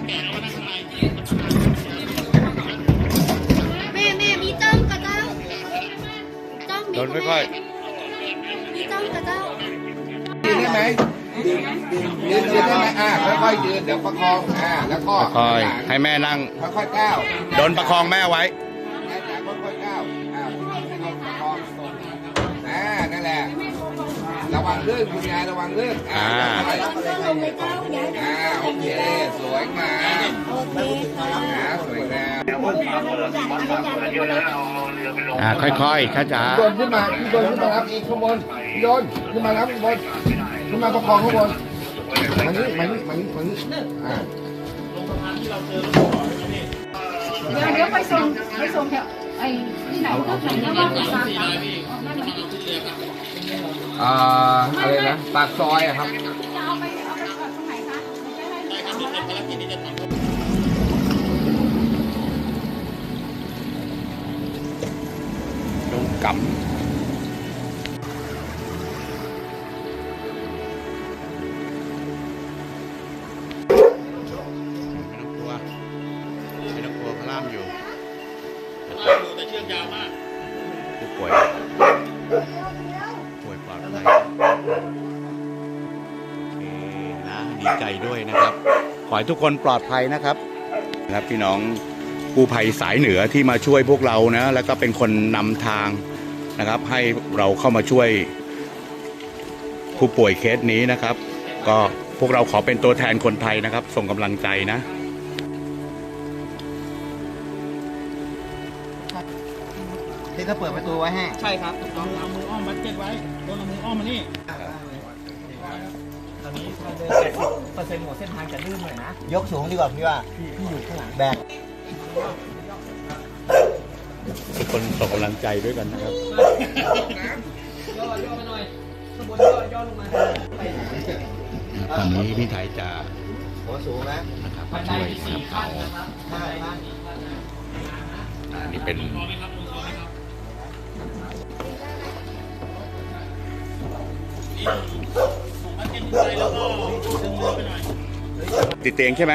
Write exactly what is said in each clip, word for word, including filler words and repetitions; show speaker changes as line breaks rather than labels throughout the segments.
แม่แม่มีจ้องกับเจ้าจ้องมี
โดนค่อย
มีจ้องกับเจ้า
ยืนได้ไหมยืนยืนได้ไหมอ่าค่อยๆยืนเดี๋ยวประคองอ่าแล้วก็
ๆค่อยๆให้แม่นั่ง
ค่อยๆก้าว
โดนประคองแม่ไว้
แม่จ๋าค่อยๆก้าวอ่าให้เราประคองอ่านั่นแหละระวังลื่นคุณยายระวังลื่นอ่า
อ่า
จ้องลงไปเจ้าอย่า
อ่าโอเคสวยงาม
โอเคค่ะ
อ่าสวยงาม
อ่าค่อยๆข้าจ๋า
โยนขึ้นมาโยนขึ้นมารับอีกข้างบนโยนขึ้นมารับข้างบนขึ้นมาประคองข้างบนมานี่มานี่มานี่มานี่อ่า
เดี๋ยวเดี๋ยวไปส่งไปส่งแถวไอ้ที่ไหนก็ไหนก็ว่าจะตามกัน
อ่าอะไรนะปากซอยอะครับ
จะเอาไปเอาไปตรงไหนคะจะให้ทำอะไร
โดนกำไม่ต้องกลัวไม่ต้องกลัวเขาล่ามอยู่แต่เชือกยาวมากผู้ป่วยป่วยปลอดภัยโอเคนะดีใจด้วยนะครับขอให้ทุกคนปลอดภัยนะครับนะครับพี่น้องกู้ภัยสายเหนือที่มาช่วยพวกเรานะแล้วก็เป็นคนนำทางนะครับให้เราเข้ามาช่วยผู้ป่วยเคสนี้นะครับก็พวกเราขอเป็นตัวแทนคนไทยนะครับส่งกำลังใจนะ
ที่เขาเปิดประตูไว้ให้
ใช่ครับเอาเอามืออ้อมบัตเจ็ตไว้ต้นเอามืออ้อมมานี่ตอนนี้ถ้าเดินแปดสิบเปอร์เซ็นต์ของเส้นทางจะลื่นหน่อยนะ
ยกสูงดีกว่าพี่ว่า พี่พี่อยู่ข้างหลังแบก
ทุกคนส่งกำลังใจด้วยกันนะครับ
ย่อย่อมาหน่อยข้างบนย่อย่อลงมา
ตอนนี้พี่ไทยจะ
หัวสูงนะ
นะครับ
บันได
ช่วย
มีสี่
ครับ
ขั้นนะครับ
ห้าขั้น
อันนี้เป็นติดเตียงใช่ไหม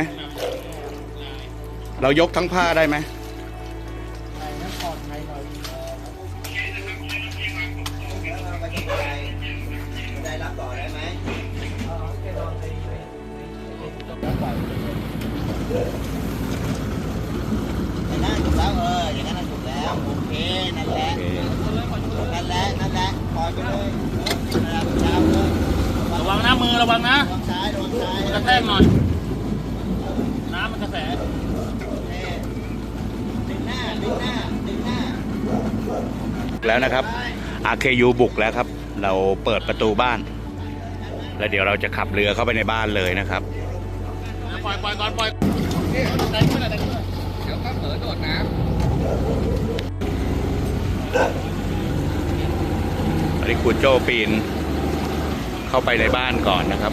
เรายกทั้งผ้าได้ไหม
ได้รับต่อได้ไหมอย่างนั้นถูกแล้วเอออย่างนั้นถูกแล้วโอเคนั่นแหละ
โอเค
นั่นแหละนั่นแหละปล่อยไปเลยเออนั่นแหละยาวเลย
ระวังนะมือระวังนะ
ระวังซ้ายระวังซ้าย
กระแทกหน่อย น้ำมันกระแส
ดึงหน้าดึงหน้าดึงหน้า
แล้วนะครับ อาร์ เค ยู บุกแล้วครับ เราเปิดประตูบ้าน แล้วเดี๋ยวเราจะขับเรือเข้าไปในบ้านเลยนะครับ
ปล่อยปล่อยก่อนปล่อย
เดี๋ยวก็เผลอโดดน้
อันนี้ครูโจ้ปีนเข้าไปในบ้านก่อนนะครับ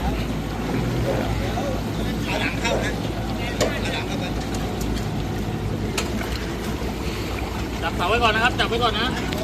ขาหลังเข้านะขาหลังเข้าไป
จับเสาไว้ก่อนนะครับ จับไว้ก่อนนะ
เ